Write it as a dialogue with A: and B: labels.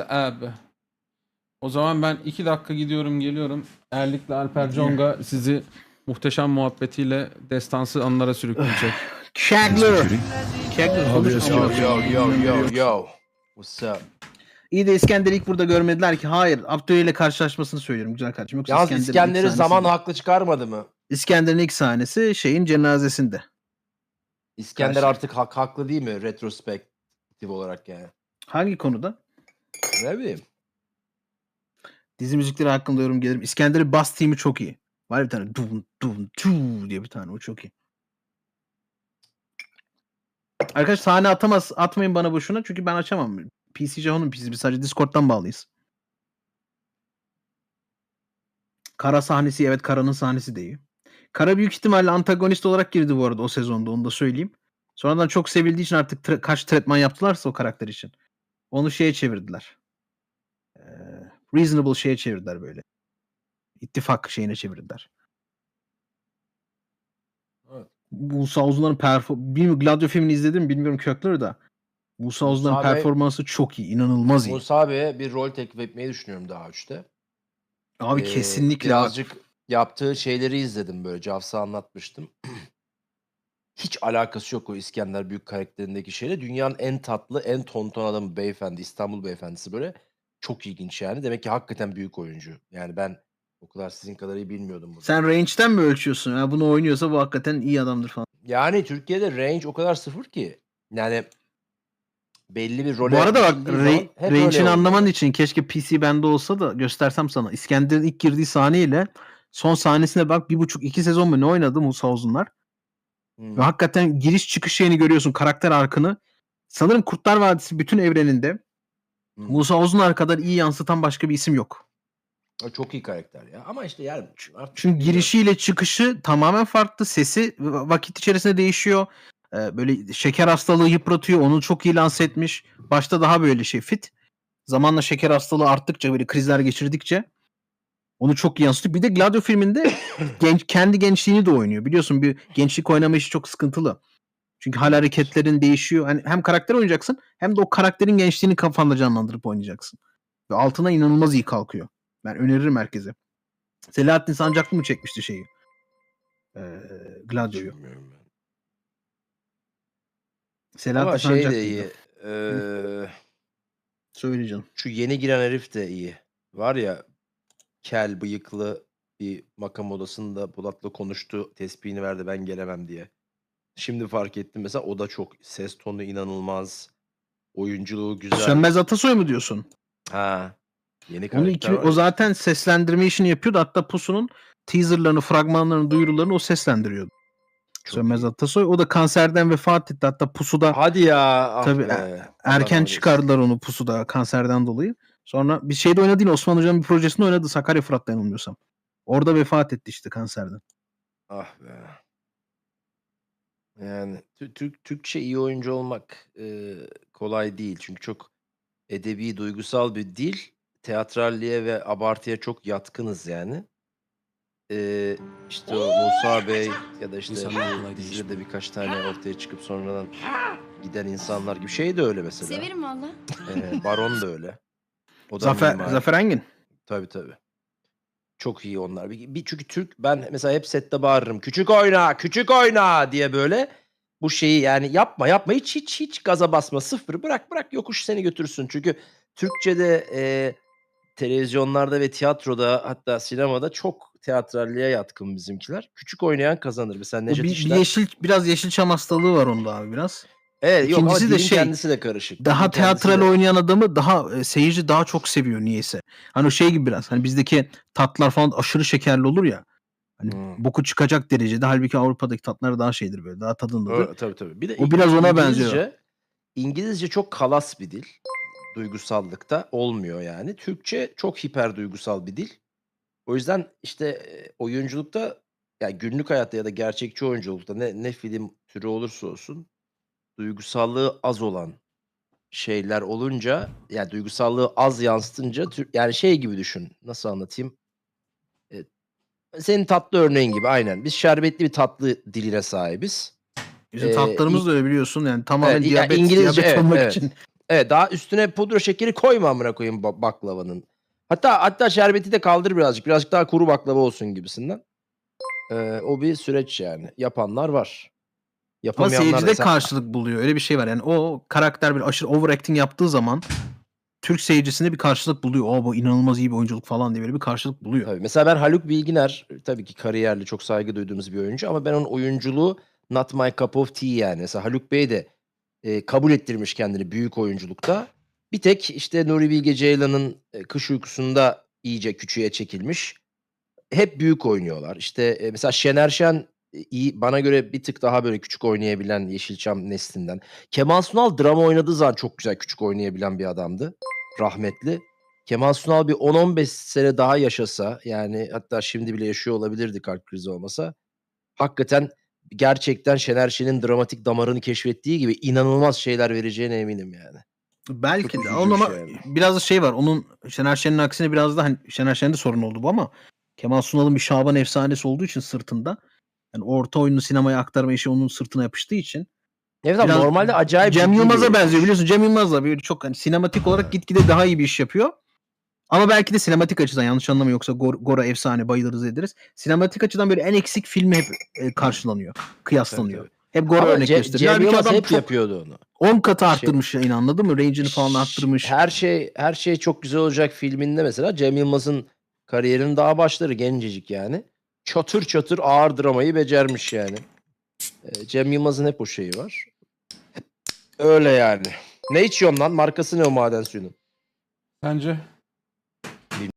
A: Abi. O zaman ben 2 dakika gidiyorum geliyorum. Erlik'le Alper Conga sizi muhteşem muhabbetiyle destansı anlara sürükleyecek.
B: Kegler. Kegler konuş
C: Obvious.
B: amına
C: Yo,
B: koyayım.
C: yo. What's up?
B: İyi de İskender'i ilk burada görmediler ki. Hayır. Abdüley ile karşılaşmasını söylüyorum güzel kardeşim. Yoksa
C: Yalnız
B: İskender'in
C: İskender'i
B: ilk
C: zaman
B: sahnesi-
C: haklı çıkarmadı mı?
B: İskender'in ilk sahnesi şeyin cenazesinde.
C: İskender
B: Karşı-
C: artık haklı değil mi? Retrospektif olarak yani.
B: Hangi konuda?
C: Ne bileyim.
B: Dizi müzikleri hakkında yorum gelirim. İskender'in bass team'i çok iyi. Var bir tane dum dum tu diye bir tane, o çok iyi. Arkadaş sahne atmayın bana boşuna çünkü ben açamam. PC Jahon'un PC'si, biz sadece Discord'dan bağlıyız. Kara sahnesi, evet, Kara'nın sahnesi de iyi. Kara büyük ihtimalle antagonist olarak girdi bu arada o sezonda, onu da söyleyeyim. Sonradan çok sevildiği için artık kaç tretman yaptılarsa o karakter için. Onu şeye çevirdiler. Reasonable şeye çevirdiler böyle. İttifak şeyine çevirdiler.
C: Evet.
B: Musa Uzunlar'ın bilmiyorum, Gladio filmini izledim bilmiyorum Kökler'ı da. Musa Uzunlar'ın
C: Musa Bey-
B: performansı çok iyi. İnanılmaz iyi.
C: Musa Bey'e bir rol teklif etmeyi düşünüyorum daha üçte.
B: Abi kesinlikle.
C: Birazcık yaptığı şeyleri izledim böyle. Cavs'a anlatmıştım. Hiç alakası yok o İskender Büyük karakterindeki şeyle. Dünyanın en tatlı, en tonton adamı beyefendi. İstanbul beyefendisi böyle. Çok ilginç yani. Demek ki hakikaten büyük oyuncu. Yani ben o kadar sizin kadar iyi bilmiyordum bunu.
B: Sen range'den mi ölçüyorsun? Ya bunu oynuyorsa bu hakikaten iyi adamdır falan.
C: Yani Türkiye'de range o kadar sıfır ki. Yani belli bir role
B: Bu arada bak,
C: gidildiği zaman hep öyle
B: range'ini
C: oluyor.
B: anlaman için keşke PC bende olsa da göstersem sana. İskender'in ilk girdiği sahneyle son sahnesine bak, 1,5-2 sezon mu ne oynadı Musa Uzunlar?
C: Hmm.
B: Ve hakikaten giriş çıkış şeyini görüyorsun, karakter arkını. Sanırım Kurtlar Vadisi bütün evreninde Musa Uzunlar kadar iyi yansıtan başka bir isim yok.
C: O çok iyi karakter ya. Ama işte yani artık
B: Çünkü
C: bilmiyorum.
B: girişiyle çıkışı tamamen farklı. Sesi vakit içerisinde değişiyor. Böyle şeker hastalığı yıpratıyor. Onu çok iyi lanse etmiş. Başta daha böyle fit. Zamanla şeker hastalığı arttıkça, böyle krizler geçirdikçe onu çok iyi yansıtıyor. Bir de Gladio filminde kendi gençliğini de oynuyor. Biliyorsun bir gençlik oynama işi çok sıkıntılı. Çünkü hal hareketlerin değişiyor. Hani hem karakter oynayacaksın hem de o karakterin gençliğini kafanda canlandırıp oynayacaksın. Ve altına inanılmaz iyi kalkıyor. Ben öneririm herkese. Selahattin Sancaklı mı çekmişti şeyi? Gladio'yu.
C: Bilmiyorum ben.
B: Selahattin
C: Ama şey de
B: Sancaklı'ydı.
C: iyi.
B: Söyle canım.
C: Şu yeni giren herif de iyi. Var ya, kel bıyıklı bir makam odasında Polat'la konuştu. Tespihini verdi ben gelemem diye. Şimdi fark ettim mesela, o da çok, ses tonu inanılmaz. Oyunculuğu güzel.
B: Sönmez Atasoy mu diyorsun?
C: Ha. Yeni
B: Onu
C: karakter var
B: o
C: ya.
B: zaten seslendirme işini yapıyordu. Hatta Pusu'nun teaserlarını, fragmanlarını, duyurularını o seslendiriyordu.
C: Çok
B: Sönmez
C: iyi.
B: Atasoy. O da kanserden vefat etti. Hatta Pusu'da
C: Hadi ya. Ah
B: tabii
C: be. Allah
B: erken
C: rahmet
B: çıkardılar onu Pusu'da kanserden dolayı. Sonra bir şeyde oynadı yine, Osman Hoca'nın bir projesinde oynadı. Sakarya Fırat'ta yanılmıyorsam. Orada vefat etti işte kanserden.
C: Ah be. Yani Türkçe iyi oyuncu olmak kolay değil. Çünkü çok edebi, duygusal bir dil. Teatralliğe ve abartıya çok yatkınız yani. İşte o Musa Bey ya da işte
A: İnsanlar
C: bu
A: kolay
C: dizide
A: değişmiyor.
C: de birkaç tane ortaya çıkıp sonradan giden insanlar gibi. Şey de öyle mesela.
D: Severim valla.
C: Baron da öyle. O da mimar.
B: Zafer Engin.
C: Tabii tabii. Çok iyi onlar. Çünkü Türk, ben mesela hep sette bağırırım. Küçük oyna, küçük oyna diye böyle. Bu şeyi yani yapma hiç gaza basma, sıfır bırak yokuş seni götürsün. Çünkü Türkçe'de televizyonlarda ve tiyatroda, hatta sinemada çok teatralliğe yatkın bizimkiler. Küçük oynayan kazanır. Mesela Necdet İşler.
B: Biraz Yeşilçam hastalığı var onda abi biraz.
C: Evet, yok ama
B: İkincisi de
C: dilin kendisi de karışık.
B: Daha
C: Dilin kendisi
B: teatral
C: de-
B: oynayan adamı seyirci daha çok seviyor niyeyse. Hani o şey gibi biraz. Hani bizdeki tatlar falan aşırı şekerli olur ya. Hani boku çıkacak derecede. Halbuki Avrupa'daki tatlar daha şeydir böyle. Daha tadındadır.
C: Tabii. Bir de
B: O biraz ona benziyor.
C: İngilizce çok kalas bir dil. Duygusallıkta olmuyor yani. Türkçe çok hiper duygusal bir dil. O yüzden işte oyunculukta, yani günlük hayatta ya da gerçekçi oyunculukta ne film türü olursa olsun duygusallığı az olan şeyler olunca, yani duygusallığı az yansıtınca yani şey gibi düşün. Nasıl anlatayım? Senin tatlı örneğin gibi aynen. Biz şerbetli bir tatlı diline sahibiz.
B: Bizim tatlarımız da öyle biliyorsun. Yani tamamen
C: Evet,
B: diyabet
C: İngilizce,
B: olmak
C: evet.
B: için.
C: Evet, daha üstüne pudra şekeri koyma amına koyayım baklavanın. Hatta şerbeti de kaldır birazcık. Birazcık daha kuru baklava olsun gibisinden. O bir süreç yani. Yapanlar var.
B: Ama
C: Yapamayanlar da
B: seyircide karşılık buluyor. Öyle bir şey var. Yani o karakter bir aşırı overacting yaptığı zaman Türk seyircisinde bir karşılık buluyor. Bu inanılmaz iyi bir oyunculuk falan diye böyle bir karşılık buluyor.
C: Tabii. Mesela ben Haluk Bilginer tabii ki kariyerli, çok saygı duyduğumuz bir oyuncu ama ben onun oyunculuğu not my cup of tea yani. Mesela Haluk Bey de kabul ettirmiş kendini büyük oyunculukta. Bir tek işte Nuri Bilge Ceylan'ın Kış Uykusu'nda iyice küçüğe çekilmiş. Hep büyük oynuyorlar. İşte mesela Şener Şen iyi, bana göre bir tık daha böyle küçük oynayabilen Yeşilçam neslinden. Kemal Sunal drama oynadığı zaman çok güzel küçük oynayabilen bir adamdı. Rahmetli. Kemal Sunal bir 10-15 sene daha yaşasa, yani hatta şimdi bile yaşıyor olabilirdi kalp krizi olmasa. Hakikaten gerçekten Şener Şen'in dramatik damarını keşfettiği gibi inanılmaz şeyler vereceğine eminim yani.
B: Belki
C: Çok
B: de.
C: üzücü
B: Onun
C: bir
B: ama
C: şey yani.
B: biraz da şey var. Onun Şener Şen'in aksine biraz da hani Şener Şen'de sorun oldu bu ama Kemal Sunal'ın bir Şaban efsanesi olduğu için sırtında, yani orta oyunu sinemaya aktarma işi onun sırtına yapıştığı için
C: Evet abi,
B: biraz
C: normalde acayip
B: Cem
C: ciddi bir
B: Yılmaz'a
C: herifmiş.
B: benziyor, biliyorsun. Cem Yılmaz da böyle çok hani sinematik olarak gitgide daha iyi bir iş yapıyor. Ama belki de sinematik açıdan, yanlış anlama, yoksa Gora efsane, bayılırız ederiz. Sinematik açıdan böyle en eksik filmi hep karşılanıyor, kıyaslanıyor.
C: Tabii.
B: Hep Gora
C: Ama
B: örnek gösteriyor.
C: Cem
B: Halbuki
C: Yılmaz
B: adam
C: hep
B: çok
C: yapıyordu onu.
B: 10 katı
C: Şey-
B: arttırmış yayını, anladın mı? Range'ini falan arttırmış.
C: Her şey çok güzel olacak filminde mesela Cem Yılmaz'ın kariyerinin daha başları, gencecik yani. Çatır çatır ağır dramayı becermiş yani. Cem Yılmaz'ın hep o şeyi var. Öyle yani. Ne içiyorsun lan? Markası ne o maden suyunun?
A: Bence